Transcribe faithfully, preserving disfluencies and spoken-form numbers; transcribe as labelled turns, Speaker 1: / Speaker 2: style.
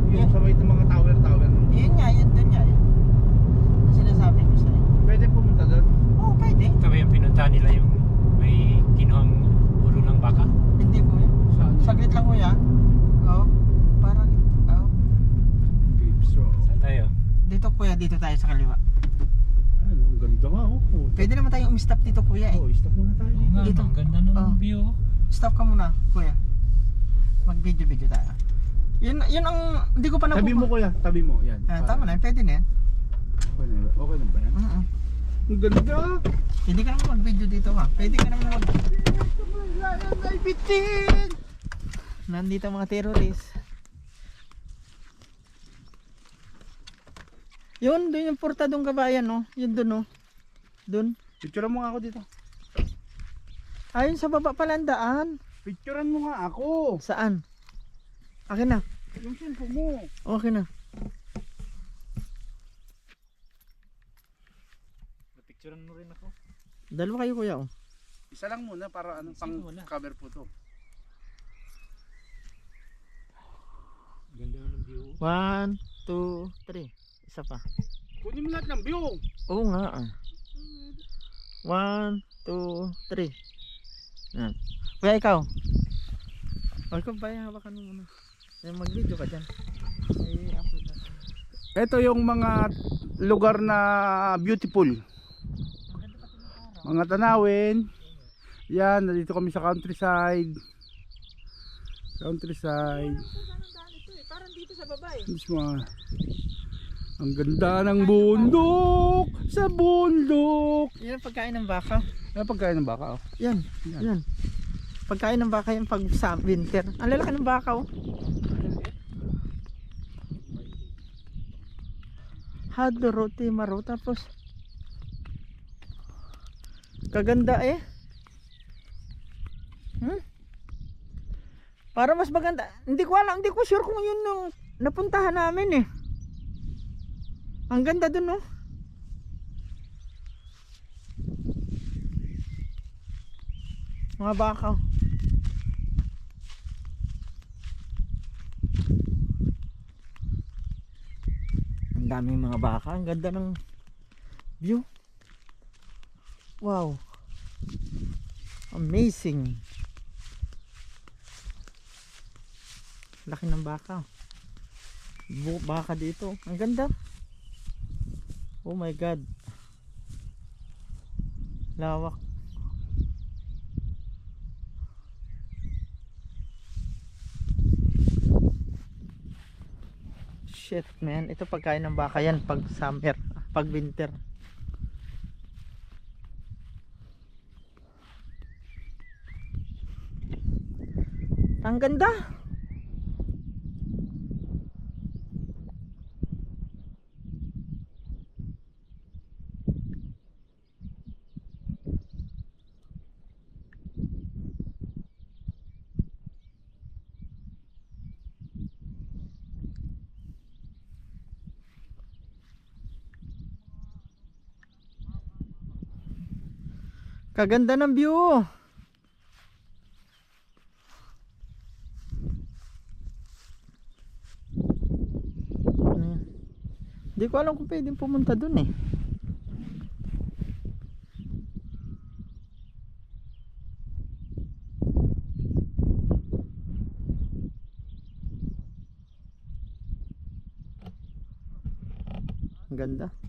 Speaker 1: yung sa may mga tower-tower.
Speaker 2: Yun nga, yun dun nga yun. Ang sinasabi ko sa'yo.
Speaker 1: Pwede pumunta doon?
Speaker 2: Oo, pwede.
Speaker 3: Ito ba yung pinunta nila yung may kinuhang ulo ng baka?
Speaker 2: Hindi kuya.
Speaker 1: Saan?
Speaker 2: Saglit lang kuya. Oo. Parang, oo.
Speaker 1: Caves Row.
Speaker 3: Saan tayo?
Speaker 2: Dito kuya, dito tayo sa kaliwa.
Speaker 1: Ano, ang ganda nga oh.
Speaker 2: Pwede naman tayong umistop dito kuya eh.
Speaker 1: Oh, stop muna tayo.
Speaker 3: Oo nga,
Speaker 2: Dito.
Speaker 3: ang ganda ng
Speaker 2: Oh.
Speaker 3: view.
Speaker 2: Stop ka muna kuya. Mag-video-video tayo. Yun, yun ang, hindi ko pa napupa.
Speaker 1: Tabi mo kuya, tabi mo. Yan.
Speaker 2: Ah, tama na, pwede na yan.
Speaker 1: Okay na ba? Okay na ba yan?
Speaker 2: Mm-mm.
Speaker 1: Ang ganda.
Speaker 2: Pwede ka naman mag-video dito ha. Pwede ka naman mag...
Speaker 1: Ay, bitin!
Speaker 2: Nandito ang mga terrorist. Yun, doon yung portadong kabayan no. Yun doon no. Doon.
Speaker 1: Picturean mo nga ako dito.
Speaker 2: Ayun sa baba pala ang daan.
Speaker 1: Picturean mo nga ako.
Speaker 2: Saan? Akin na.
Speaker 1: Yung cellphone mo.
Speaker 2: Okay na.
Speaker 3: Napicturean mo rin ako.
Speaker 2: Dalawa kayo kuya oh.
Speaker 1: Isa lang muna para ano, pang
Speaker 3: Sige, wala.
Speaker 1: cover po to.
Speaker 3: Ganda ng view.
Speaker 2: One, two, three. Isa pa.
Speaker 1: Kunin mo lahat ng view.
Speaker 2: Oo nga ah. One, two, three. Yan. Kuya ikaw. O ikaw ba yung hawakan mo muna. Eh, mag-video ka dyan. Eh, upload na.
Speaker 1: Ito yung mga lugar na beautiful. Mga tanawin. Yan, nandito kami sa countryside. Countryside.
Speaker 2: Parang dito sa baba eh.
Speaker 1: Mismo. Ang ganda ng bundok sa bundok.
Speaker 2: Yan ang pagkain ng baka.
Speaker 1: Ano pagkain ng baka? Oh.
Speaker 2: Yan,
Speaker 1: Yan.
Speaker 2: yan. Pagkain ng baka yan pag sa winter. Ang lalaki ng baka oh. Hado roti maro tapos kaganda eh. Hmm? Para mas maganda. Hindi ko alam, hindi ko sure kung yun yung napuntahan namin eh. Ang ganda dun oh. Mga baka. Ang daming mga baka. Ang ganda ng view. Wow. Amazing. Laki ng baka. Bu baka dito. Ang ganda. Oh my god. Lawak. Shit man, ito pagkain ng baka yan pag summer, pag winter. Ang ganda. Kaganda ng view. Hindi ko alam kung pwedeng pumunta dun eh. Ang ganda.